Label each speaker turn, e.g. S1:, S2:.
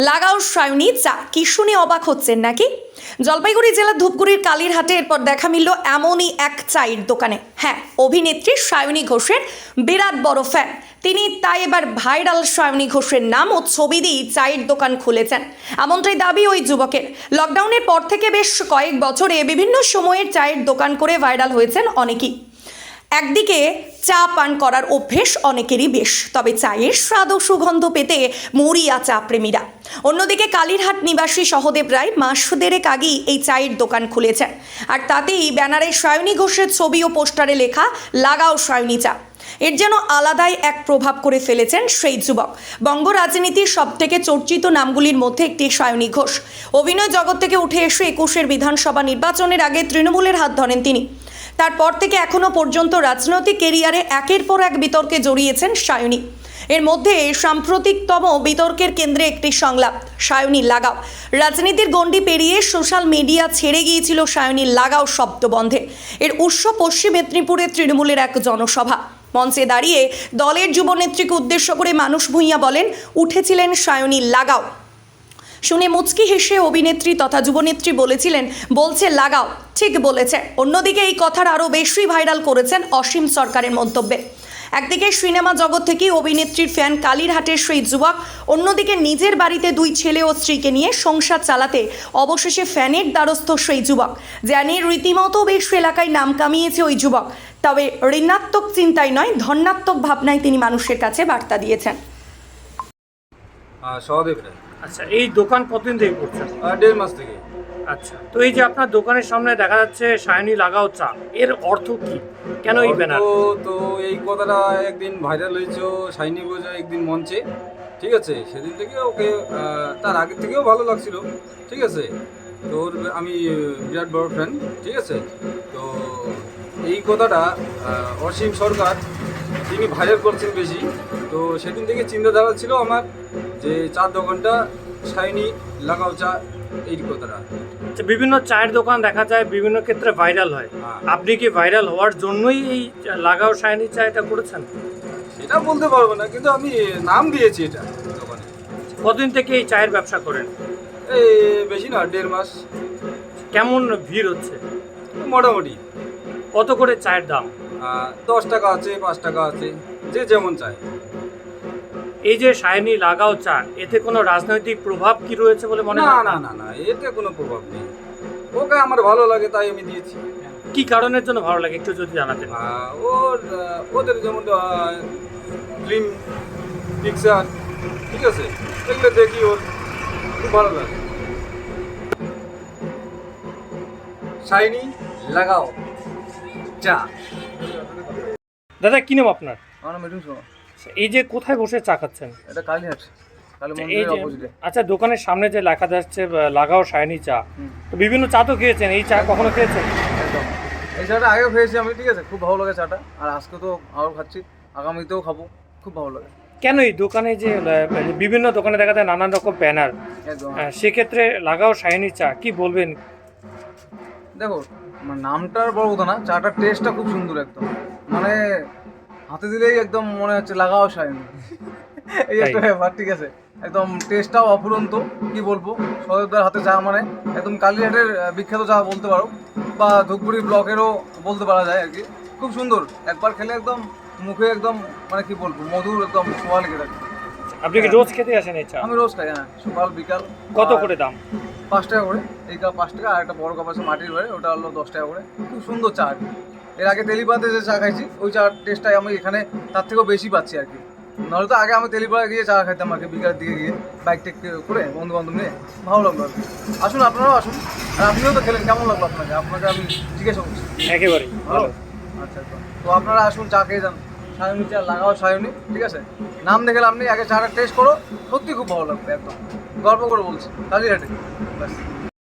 S1: লাগাও সায়নী চা, কি শুনে অবাক হচ্ছেন নাকি? জলপাইগুড়ি জেলার ধূপগুড়ির কালীরহাটে এরপর দেখা মিলল এমনই এক চায়ের দোকানে। হ্যাঁ, অভিনেত্রী সায়নী ঘোষের বিরাট বড় ফ্যান তিনি, তাই এবার ভাইরাল সায়নী ঘোষের নাম ও ছবি দিয়ে চায়ের দোকান খুলেছেন, এমনটাই দাবি ওই যুবকের। লকডাউনের পর থেকে বেশ কয়েক বছরে বিভিন্ন সময়ের চায়ের দোকান করে ভাইরাল হয়েছেন অনেকেই। একদিকে চা পান করার অভ্যেস অনেকেরই বেশ, তবে চায়ের স্বাদ ও সুগন্ধ পেতে মরিয়া চা প্রেমীরা। অন্যদিকে কালীরহাট নিবাসী সহদেব রায় মাস দেড়েক আগেই এই চায়ের দোকান খুলেছেন, আর তাতেই ব্যানারে সায়নী ঘোষের ছবি ও পোস্টারে লেখা লাগাও সায়নী চা। এর যেন আলাদাই এক প্রভাব করে ফেলেছেন সেই যুবক। বঙ্গ রাজনীতির সব থেকে চর্চিত নামগুলির মধ্যে একটি সায়নী ঘোষ। অভিনয় জগৎ থেকে উঠে এসে 21-এর বিধানসভা নির্বাচনের আগে তৃণমূলের হাত ধরেন তিনি। তারপর থেকে এখনো পর্যন্ত রাজনৈতিক কেরিয়ারে একের পর এক বিতর্কে জড়িয়েছেন সায়নী। এর মধ্যে সাম্প্রতিকতম বিতর্কের কেন্দ্রে একটি সংলাপ, সায়নী লাগাও। রাজনীতির গণ্ডি পেরিয়ে সোশ্যাল মিডিয়া ছেড়ে গিয়েছিল সায়নী লাগাও শব্দবন্ধে। এর উৎস পশ্চিম মেদিনীপুরের তৃণমূলের এক জনসভা। মঞ্চে দাঁড়িয়ে দলের যুবনেত্রীকে উদ্দেশ্য করে মানুষ ভূঁইয়া বলেন, উঠেছিলেন সায়নী লাগাও। শুনে মুচকি হেসে অভিনেত্রী তথা যুবনেত্রী বলেছিলেন, বলছে লাগাও, ঠিক বলেছে। অন্যদিকে এই কথার আরও বেশি ভাইরাল করেছেন অসীম সরকারের মন্তব্যে। একদিকে সিনেমা জগৎ থেকে অভিনেত্রীর ফ্যান কালীরহাটের সেই যুবক, অন্যদিকে নিজের বাড়িতে 2 ছেলে ও স্ত্রীকে নিয়ে সংসার চালাতে অবশেষে ফ্যানের দ্বারস্থ সেই যুবক, যা নিয়ে রীতিমতো বেশ এলাকায় নাম কামিয়েছে ওই যুবক। তবে ঋণাত্মক চিন্তায় নয়, ধনাত্মক ভাবনায় তিনি মানুষের কাছে বার্তা দিয়েছেন।
S2: সহদেব রায়।
S3: আচ্ছা, এই দোকান কতদিন থেকে করছেন?
S2: 1.5 মাস থেকে।
S3: আচ্ছা, তো এই যে আপনার দোকানের সামনে দেখা যাচ্ছে সায়নী লাগাও চা, এর অর্থ কি? কেন এই ব্যানার?
S2: তো এই কথাটা একদিন ভাইরাল হয়েছে সায়নী ঘোষ একদিন মঞ্চে, ঠিক আছে? সেদিন থেকে ওকে তার আগের থেকেও ভালো লাগছিল, ঠিক আছে? তো ওর আমি বিরাট বড় ফ্যান, ঠিক আছে? তো এই কথাটা অসীম সরকার তিনি ভাইরাল করছেন বেশি। তো সেদিন থেকে চিন্তাধারা ছিল আমার যে চার দোকানটা সায়নী লাগাও চা, এই কথাটা।
S3: আচ্ছা, বিভিন্ন চায়ের দোকান দেখা যায় বিভিন্ন ক্ষেত্রে ভাইরাল হয়। আপনি কি ভাইরাল হওয়ার জন্যই এই লাগাও সায়নী চা এটা করেছেন?
S2: এটা বলতে পারবো না, কিন্তু আমি নাম দিয়েছি এটা দোকানে।
S3: কতদিন থেকে এই চায়ের ব্যবসা করেন?
S2: এই বেশি না, 1.5 মাস।
S3: কেমন ভিড় হচ্ছে?
S2: মোটামুটি।
S3: কত করে চায়ের দাম?
S2: 10 টাকা আছে, 5 টাকা আছে, যে যেমন চায়।
S3: এই যে সায়নী লাগাও চা, এতে কোনো রাজনৈতিক প্রভাব কি রয়েছে বলে মনে হয়?
S2: না না না, এতে কোনো প্রভাব নেই। ওকে আমার ভালো লাগে তাই আমি দিয়েছি।
S3: কি কারণের জন্য ভালো লাগে একটু যদি জানাতেন।
S2: ওদের যেমন ফিল্ম পিকচার, ঠিক আছে, এগুলো দেখি ওর খুব ভালো লাগে। সায়নী লাগাও চা।
S3: দাদা, কি নাম আপনার?
S4: আমার নাম মিঠুন শর্মা।
S3: এই যে কোথায় বসে চা খাচ্ছেন?
S4: এটা কালীহাট, কালী
S3: এই
S4: মন্দিরের
S3: যে
S4: অপোজিটে।
S3: আচ্ছা, দোকানের সামনে যে লেখা যাচ্ছে লাগাও সায়নী চা, তো বিভিন্ন চা তো খেয়েছেন, এই চা কখনো খেয়েছেন?
S4: একদম, এই চাটা আগেও খেয়েছি আমি, ঠিক আছে? খুব ভালো লাগে চাটা, আর আজকে তো আরও খাচ্ছি, আগামীতেও খাবো, খুব ভালো লাগে।
S3: কেন এই দোকানে যে বিভিন্ন দোকানে দেখা যায় নানান রকম ব্যানার,
S4: একদম।
S3: সেক্ষেত্রে লাগাও সায়নী চা কি বলবেন?
S4: দেখো, মানে নামটার বড় কথা না, চাটার টেস্টটা খুব সুন্দর একদম, মানে হাতে দিলেই একদম মনে হচ্ছে লাগাও সায়নী। এই একটা ব্যাপার, ঠিক আছে? একদম টেস্টটাও অফুরন্ত, কি বলবো, সহদেবদার হাতে চা মানে একদম কালীহাটের বিখ্যাত চা বলতে পারো, বা ধূপগুড়ি ব্লকেরও বলতে পারা যায় আর কি। খুব সুন্দর, একবার খেলে একদম মুখে একদম মানে কি বলবো, মধুর একদম ছোঁয়া লেগে থাকে।
S3: আপনি কি রোজ খেতে আসেন এই চা?
S4: আমি রোজ খাই, হ্যাঁ, সকাল বিকাল।
S3: কত করে দাম?
S4: 5 টাকা করে এই কাপ, 5 টাকা। আর একটা বড় কাপ আছে মাটির বাড়ি, ওটা হলো 10 টাকা করে। খুব সুন্দর চা আর কি। এর আগে তেলিপাড়াতে যে চা খাইছি, ওই চার টেস্টটাই আমি এখানে তার থেকেও বেশি পাচ্ছি আর কি। নাহলে তো আগে আমি তেলিপাড়া গিয়ে চা খাইতাম আর কি, বিকালের দিকে গিয়ে বাইক টেক করে বন্ধু বান্ধব নিয়ে। ভালো লাগলো আর কি। আসুন, আপনারাও আসুন, আর আপনিও তো খেলেন, কেমন লাগলো আপনাকে? আপনাকে আমি জিজ্ঞাসা করছি।
S3: একেবারে
S4: ভালো, আচ্ছা। তো আপনারা আসুন, চা খেয়ে যান, সায়নী চা, লাগাও সায়নী, ঠিক আছে? নাম দেখে আপনি আগে চাটা টেস্ট করো, সত্যি খুব ভালো লাগবে, একদম গর্ব করে বলছি, কালীহাটে। ব্যাস।